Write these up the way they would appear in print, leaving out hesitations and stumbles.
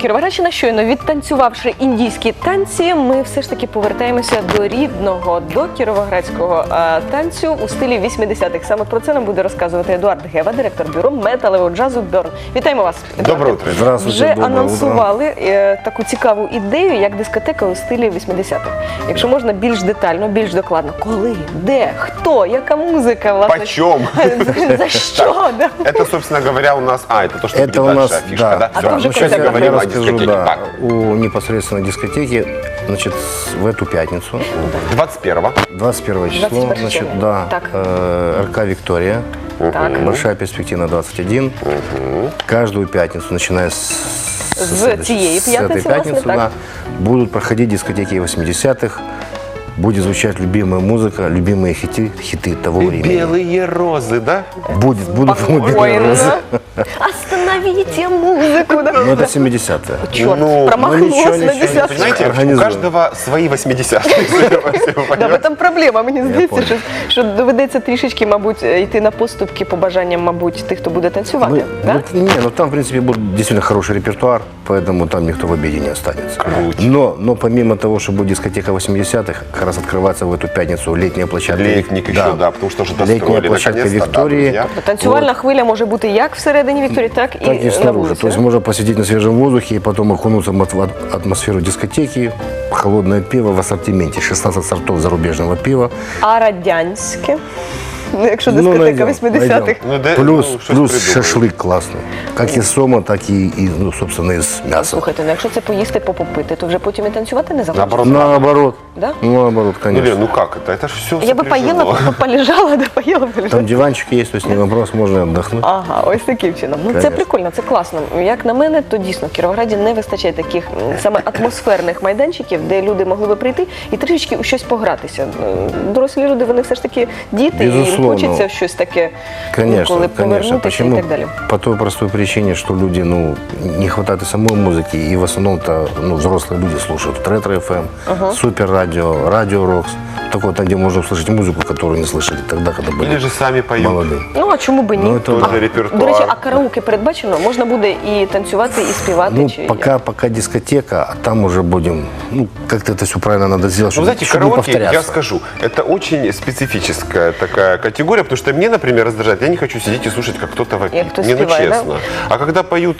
Кіровоградщина. Щойно відтанцювавши індійські танці, ми все ж таки повертаємося до рідного, до кіровоградського танцю у стилі 80-х. Саме про це нам буде розказувати Едуард Гева, директор бюро металевого джазу «Бьорн». Вітаємо вас, Едуард. Доброе утро. Вже анонсували таку цікаву ідею, як дискотека у стилі 80-х. Якщо можна більш детально, більш докладно. Коли, де, хто, яка музика, власне? Почем? За що? Это, собственно говоря, у нас... это то, что Это у нас, фишка, да? А то уже сейчас я говорим о расскажу, дискотеке. да, Так. у непосредственно дискотеки, значит, в эту пятницу, 21-го. 21 число, 21 значит, число. да, Так. РК «Виктория», Так. Большая перспектива 21, каждую пятницу, начиная с цієї п'ятниці, этой пятницы, власне, так. да, будут проходить дискотеки 80-х, будет звучать любимая музыка, любимые хиты того времени. Белые розы, да? Будут любимые Спокойно. розы. Остановите музыку. Да? Но это 70-е. Черт, Ну, промахнулся ничего, на ничего. десятку. Понимаете, у Организован. каждого свои 80-е. Да, в этом проблема. Мені здається, понял. що доведеться трішечки, мабуть, йти на поступки по бажанням, мабуть, тих, хто буде танцювати. Да? Ну там, в принципе, будет действительно хороший репертуар, поэтому там никто в обиде не останется. Круть. Но помимо того, что будет дискотека 80-х, как раз открываться в эту пятницу летняя площадка. Летник еще, да, потому что уже достроили. Летняя площадка наконец-то, Виктории. да, друзья. Танцювальна хвиля може бути як всередині Вікторії, так і Так и на снаружи. вулиці. То есть можно посидеть на свежем воздухе и потом окунуться в атмосферу дискотеки, холодное пиво в ассортименте, 16 сортов зарубежного пива. А радянське? Ну, якщо дискотека найдем, 80-х. найдем. Ну, да, Плюс ну, что-то придумаем. шашлык классный. Как из сома, так и ну, собственно, из мяса. Слухайте, ну якщо це поїсти, попити, то вже потім і танцювати не захочеться. Наоборот. Наоборот. Да? Наоборот, Ну, конечно. Лен, ну как это? Это же все Я би поїла, полежала, да поїла, полежала. Там диванчик есть, то есть не вопрос, можно отдохнуть. Ага, ось таким чином. Ну це Конечно. прикольно, це класно. Як на мене, то дійсно в Кіровограді не вистачає таких саме атмосферних майданчиків, де люди могли би прийти і трішечки у щось погратися. Дорослі люди, вони все ж таки діти, і їм Безусловно. хочеться в щось таке, Конечно, коли конечно. повернутися Почему? і так далі. По той простой причине, что люди, не хватает и самой музыки, и в основном-то, взрослые люди слушают ретро-ФМ, супер-радио, радио-рокс. Такое, там, где можно услышать музыку, которую не слышали тогда, когда были Или же сами поют. молодые. Ну, а чому би ні? Ну, это Тоже да. репертуар. До речі, а караоке передбачено? Можна буде і танцювати, і співати? Ну, чи пока дискотека, а там уже будем, как-то это все правильно надо сделать, Ну, чтобы, знаете, чтобы не караоке, я повторяться. скажу, это очень специфическая такая категория, потому что мне, например, раздражает, я не хочу сидеть и слушать, как кто-то вопит. Як хтось Не, ну співає, да? честно. А когда поют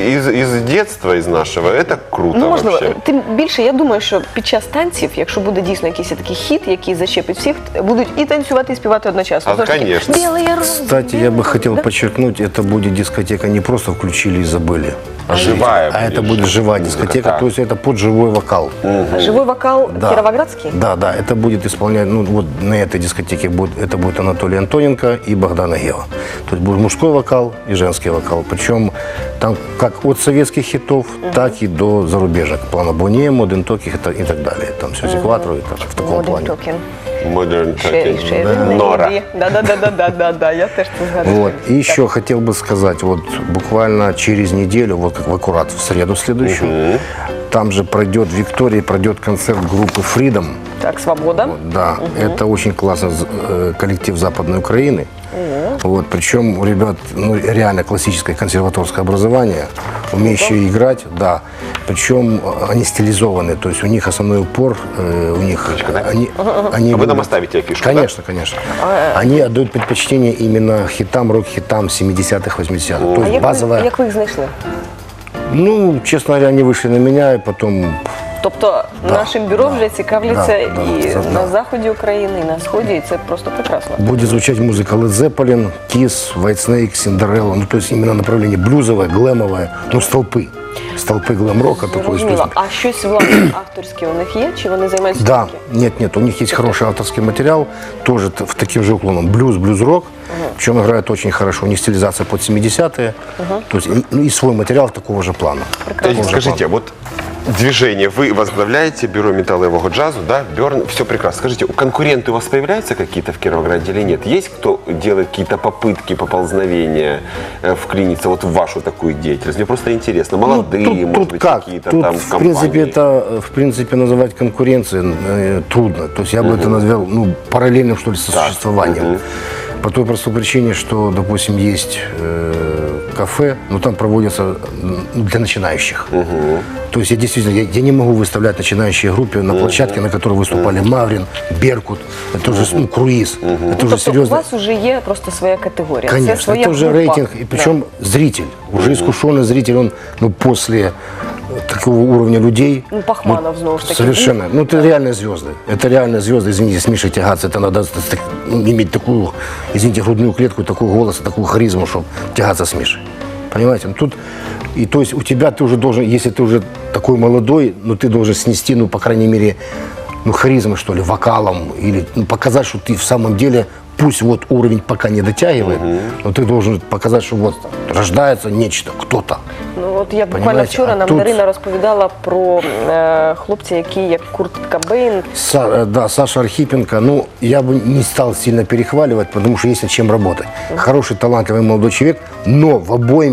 из детства, из нашего, это круто Ну, можливо, вообще. тим більше, я думаю, що під час танців, якщо буде дійсно якийсь такий хіт, який зачепить всіх, будуть і танцювати, і співати одночасно. А, Знову ж таки, конечно. «Білий роз», Кстати, я бы «Білий хотел роз», да? подчеркнуть, это будет дискотека не просто включили и забыли. Живая А это будет будет живая музыка, дискотека, так. то есть это под живой вокал. Живий вокал Да. кіровоградський? Да, это будет исполнять, вот на этой дискотеке это будет Анатолий Антоненко и Богдана Гева. То есть будет мужской вокал и женский вокал. Причем там как от советских хитов, так и до зарубежных. Плана Боне, Модern Talking и так далее. Там все экватору и так, в таком Modern плане. Talking. Modern Ще Talking. він Нора. не Да, я теж це згадую. Вот. И еще хотел бы сказать, вот буквально через неделю, вот как в аккурат в среду следующую, там же пройдет в Виктории, пройдет концерт группы Freedom. Так, «Свобода». Вот, да, это очень классный коллектив Западной Украины. Вот, причем у ребят реально классическое консерваторское образование, умеющие играть, да. Причем они стилизованные, то есть у них основной упор, у них они А вы нам любят- оставите афишу, да? Конечно, конечно. Они отдают предпочтение именно хитам, рок-хитам 70-х, 80-х. То А есть базовая. як ви їх знайшли? Ну, честно говоря, они вышли на меня, и потом Тобто нашим бюро вже цікавляться да, і да. на заході України, і на сході, і це просто прекрасно. будет звучать музыка Led Zeppelin, Kiss, Whitesnake, Cinderella. Ну, то есть именно направление блюзовое, глэмовое, столпы. Столпы глэм-рока такой. То есть, Зрозуміло. А щось власне авторське у них є? Чи вони займаються да, тільки? нет, у них есть хороший авторский материал, тоже в таким же уклоном. Блюз-рок, причем играют очень хорошо. У них стилизация под 70-е, то есть и свой материал такого же плана. Скажите, вот движение, вы возглавляете бюро металлового джаза, да, Бьорн, все прекрасно. Скажите, конкуренты у вас появляются какие-то в Кировограде или нет? Есть кто делает какие-то попытки, поползновения, вклиниться вот в вашу такую деятельность? Мне просто интересно. Молодые, может быть, какие-то Тут, там в компании. принципе, называть конкуренцией трудно. То есть я бы это назвал параллельным, что ли, сосуществованием. По той простой причине, что, допустим, есть кафе, но там проводятся для начинающих. То есть я действительно, я не могу выставлять начинающие группы на площадке, на которой выступали Маврин, Беркут, это уже круиз, это уже Тобто у серьезно. вас вже є просто своя категорія. Конечно, це своя это уже група. рейтинг, и причем зритель, уже искушенный зритель, он после такого уровня людей. Ну, Пахманов, знову ж таки. Совершенно. Ну, это реальные звезды. Это реальные звезды. Извините, с Мишей тягаться, это надо иметь такую, извините, грудную клетку, такой голос, такую харизму, чтобы тягаться с Мишей. Понимаете? Ну, тут, и то есть у тебя ты уже должен, если ты уже такой молодой, ну, ты должен снести, ну, по крайней мере, ну, харизмой, что ли, вокалом, или ну, показать, что ты в самом деле, пусть вот уровень пока не дотягивает, но ты должен показать, что вот рождается нечто, кто-то. Ну, от як буквально Понимаете, вчора а нам тут- Дарина розповідала про хлопця, який як Курт Кобейн. Да, Саша Архипенко, ну, я бы не стал сильно перехваливать, потому что есть над чем работать. Хороший, талантливый молодой человек, но в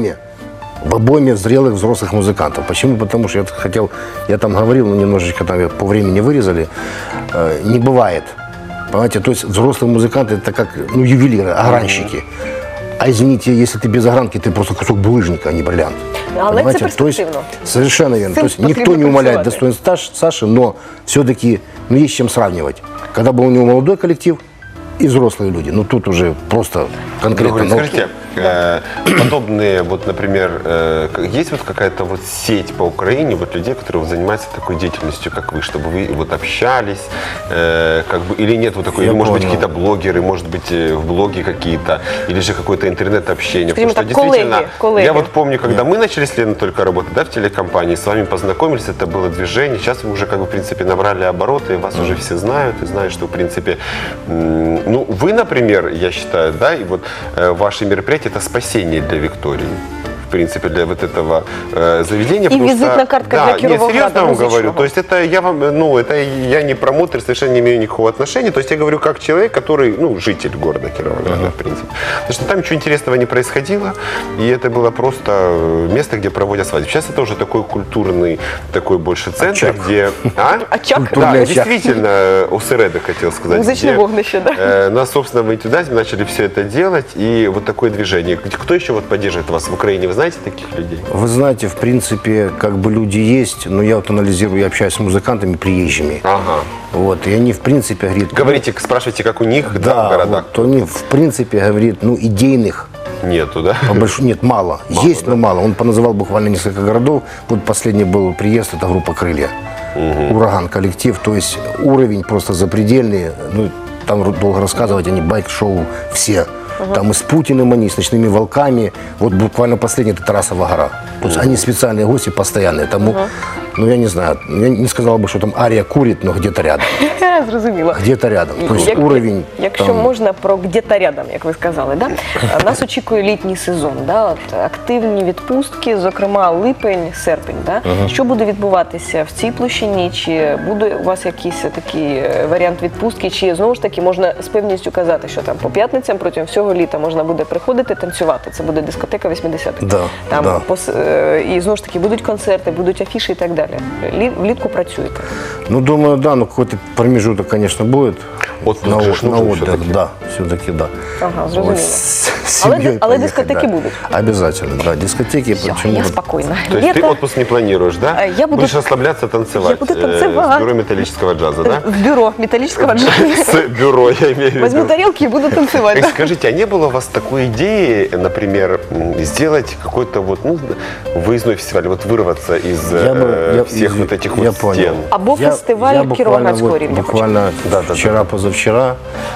обойме зрелых взрослых музыкантов. Почему? Потому что я там говорил, но немножечко там по времени вырезали, не бывает. Понимаете, то есть взрослые музыканты это как, ну, ювелиры, огранщики. А извините, если ты без огранки, ты просто кусок булыжника, а не бриллиант. Але Понимаете? це перспективно. То есть, совершенно верно. Цим То есть никто потрібно не умаляет працювати. достоинств Саши, но все-таки ну, есть с чем сравнивать. Когда был у него молодой коллектив и взрослые люди, ну тут уже просто конкретно. Григорий, ну, скажите, подобные, вот, например, есть вот какая-то вот сеть по Украине вот людей, которые вот занимаются такой деятельностью, как вы, чтобы вы вот общались, как бы, или нет вот такой, Я или, может быть, понял. какие-то блогеры, может быть, в блоги какие-то, или же какое-то интернет-общение. Скажем Потому что так, действительно, коллеги. я вот помню, когда мы начали с Леной только работать, да, в телекомпании, с вами познакомились, это было движение, сейчас вы уже, как бы, в принципе, набрали обороты, и вас уже все знают, и знают, что, в принципе, ну, вы, например, я считаю, да, и вот ваши мероприятия – это спасение для Виктории. В принципе, для вот этого заведения. И визитная картка для нет, Кировограда серьезно вам музычного. говорю. То есть это я вам, ну, это я не промоутер, совершенно не имею никакого отношения. То есть я говорю как человек, который, ну, житель города Кировограда, в принципе. Потому что там ничего интересного не происходило, и это было просто место, где проводят свадьбы. Сейчас это уже такой культурный, такой больше центр, Очаг. где... А? Очаг? Да, Культурный очаг. действительно, ОСРЭДа хотел сказать. Музычное где, вогнище, да? на собственном энтузиазме начали все это делать, и вот такое движение. Кто еще вот поддерживает вас в Украине? Вы знаете таких людей? Вы знаете, в принципе, как бы люди есть, но я вот анализирую, я общаюсь с музыкантами приезжими. Ага. Вот, и они, в принципе, говорят... Говорите, спрашивайте, как у них, да, в городах? вот, они, в принципе, говорит, ну, идейных Нету, да? нет, мало. Есть, но мало. Он поназывал буквально несколько городов. Вот последний был приезд, это группа «Крылья». Ураган коллектив. То есть уровень просто запредельный. Ну, там долго рассказывать, они байк-шоу все. Там и с Путиным они, с «Ночными волками». Вот буквально последний – это Тарасова гора. То есть они специальные гости, постоянные. Тому, ну, я не знаю, я не сказал бы, что там Ария курит, но где-то рядом. Зрозуміло. Где-то рядом. То есть уровень Якщо там... можна про где-то рядом, як ви сказали, да? Нас очікує літній сезон, да? От, активні відпустки, зокрема липень, серпень. Да? Що буде відбуватися в цій площині? Чи буде у вас якийсь такий варіант відпустки? Чи знову ж таки можна з певністю казати, що там по п'ятницям протягом всього літа можна буде приходити танцювати? Це буде дискотека 80-х. Да, Там да. І знову ж таки будуть концерти, будуть афіші і так далі. Влітку працюєте. Ну, думаю, да, но какой-то промежуток, конечно, будет. Отпуск на, же ж на нужен отдых, всё-таки. да, все-таки да. Ага, зрозуміло. Вот с Але- семьей але поехать, дискотеки да. будут? Обязательно, да, дискотеки. Все, почему я бы- спокойна. То есть ты Лето отпуск не планируешь, да? Я буду- Будешь расслабляться, танцевать. Я буду с танцевать. бюро металлического джаза, да? в бюро металлического джаза. С бюро, я имею в виду. Возьму тарелки и буду танцевать. да. Скажите, а не было у вас такой идеи, например, сделать какой-то вот, ну, выездной фестиваль, вот вырваться из всех вот этих я вот понял. стен? Або Я фестиваль буквально Кіровоградського вот- рівня. Буквально вчера-позавчера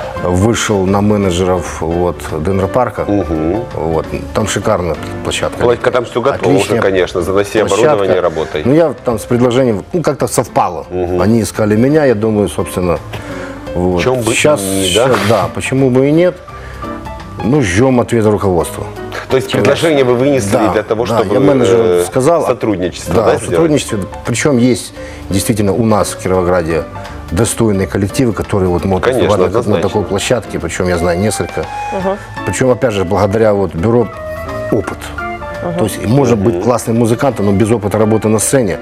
вышел на менеджеров вот, Денропарка. Вот, там шикарная площадка. Владька, там все готово уже, Отличная конечно, заноси площадка. оборудование, работай. Ну, я там с предложением, ну, как-то совпало. Они искали меня, я думаю, собственно, вот. Чем бы Сейчас, и не, да? да, почему бы и нет. Ну, ждем ответа руководства. То есть предложение вы вынесли Да, для того, да, чтобы я менеджеру сказал. сотрудничество, Да, да, сделать? сотрудничество. Причем есть действительно у нас в Кировограде достойные коллективы, которые вот могут Конечно, выступать на однозначно. такой площадке. Причем я знаю несколько. Причем, опять же, благодаря вот бюро опыт. То есть может быть классным музыкантом, но без опыта работы на сцене.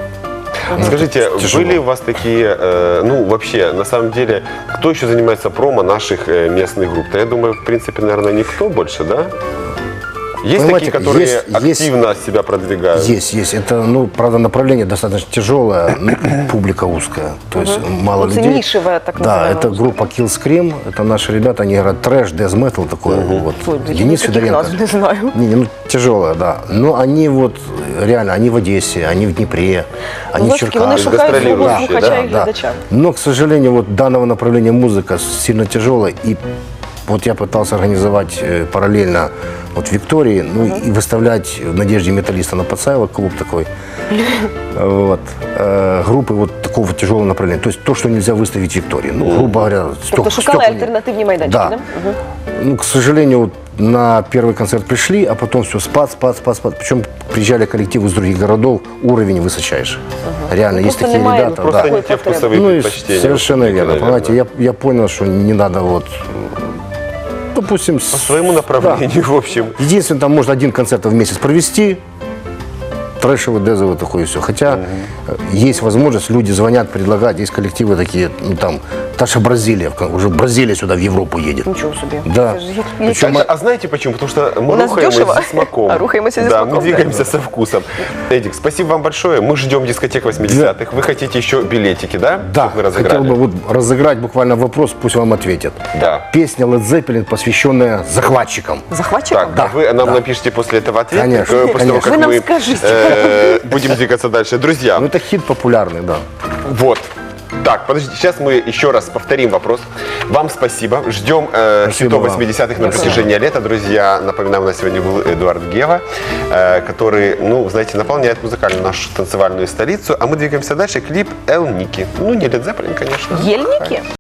Скажите, тяжело. были у вас такие, ну, вообще, на самом деле, кто еще занимается промо наших местных групп? Да, я думаю, в принципе, наверное, никто больше, да? Есть Понимаете, такие, которые есть- активно себя продвигают? Есть. Это, ну, правда, направление достаточно тяжелое, ну, публика узкая, то есть мало Ну, это людей. нишевая, так Да, называемая это группа Kill Scream, это наши ребята, они играют трэш, death metal такой, вот. Ой, я Денис таких Федоренко. назв не знаю. Не, ну, тяжелая, да. Но они вот, реально, они в Одессе, они в Днепре, они Ну, в все-таки вони Черкасах. шукають свого гастролирующие, слухача і Да. глядача. Но, к сожалению, вот данного направления музыка сильно тяжелая. И вот я пытался организовать параллельно вот в Виктории, ну и выставлять в Надежде металлиста на Пацаева, клуб такой, вот, группы вот такого тяжелого направления. То есть то, что нельзя выставить в Виктории. Ну, грубо говоря, Тобто шукали стекла нет. альтернативні майданчики, Да. да? Мгм. Ну, к сожалению, вот на первый концерт пришли, а потом все, спад. Причем приезжали коллективы из других городов, уровень высочайший. Реально, есть Просто такие немає ребята. Просто да. не те потреб. вкусовые Ну, и предпочтения. совершенно верно. наверное. Понимаете, я понял, что не надо вот, допустим, По своему направлению, в общем. Единственное, там можно один концерт в месяц провести, трэшевый, дезовый такой и все. Хотя есть возможность, люди звонят, предлагают, есть коллективы такие, ну там, та же Бразилия, уже Бразилия сюда в Европу едет. Нічого собі. Да. Це ж як- Причем А знаете почему? Потому что мы У нас рухаемся дешево, со смаком. а рухаемся со Да, смаком, мы да. двигаемся со вкусом. Эдик, спасибо вам большое. Мы ждем дискотек 80-х. Вы хотите еще билетики, да? Да, Чтоб вы хотел разыграли? бы вот разыграть буквально вопрос, пусть вам ответят. Да. Песня Led Zeppelin, посвященная захватчикам. Захватчиком? Так, а вы нам напишите после этого ответ, Конечно, после того, конечно. как Вы нам мы скажите. будем двигаться дальше. Друзья, Ну это хит популярный, да. вот. Так, подождите, сейчас мы еще раз повторим вопрос. Вам спасибо. Ждем хитов вам. 80-х на протяжении лета. Друзья, напоминаю, у нас сегодня был Эдуард Гева, который, ну, знаете, наполняет музыкальную нашу танцевальную столицу. А мы двигаемся дальше. Клип «Эл Ники». Ну, не Led Zeppelin, конечно. Єльники?